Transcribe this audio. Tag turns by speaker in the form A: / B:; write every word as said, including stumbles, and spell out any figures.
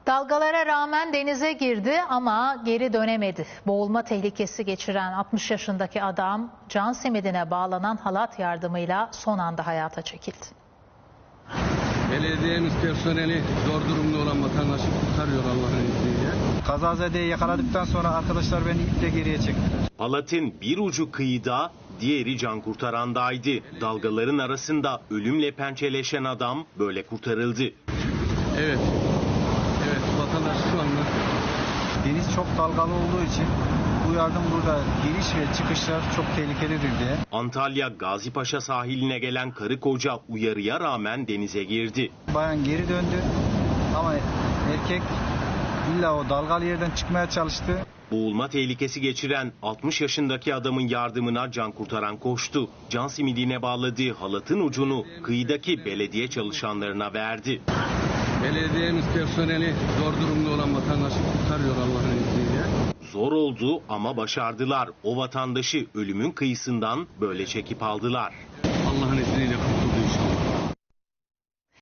A: Dalgalara rağmen denize girdi ama geri dönemedi. Boğulma tehlikesi geçiren altmış yaşındaki adam can simidine bağlanan halat yardımıyla son anda hayata çekildi.
B: Belediyemiz personeli zor durumda olan vatandaşı kurtarıyor Allah'ın izniyle.
C: Kazazedeyi yakaladıktan sonra arkadaşlar beni iple geriye çektiler.
D: Halatın bir ucu kıyıda, diğeri can kurtarandaydı. Dalgaların arasında ölümle pençeleşen adam böyle kurtarıldı.
B: Evet. Evet, vatandaş şu anda.
C: Deniz çok dalgalı olduğu için bu yardım burada giriş ve çıkışlar çok tehlikelidir diye.
D: Antalya Gazipaşa sahiline gelen karı koca uyarıya rağmen denize girdi.
C: Bayan geri döndü ama erkek illa o dalgalı yerden çıkmaya çalıştı.
D: Boğulma tehlikesi geçiren altmış yaşındaki adamın yardımına can kurtaran koştu. Can simidine bağladığı halatın ucunu kıyıdaki belediye çalışanlarına verdi.
B: Belediyemiz personeli zor durumda olan vatandaşı kurtarıyor Allah'ın izniyle.
D: Zor oldu ama başardılar. O vatandaşı ölümün kıyısından böyle çekip aldılar.
B: Allah'ın izniyle kurtarıyor.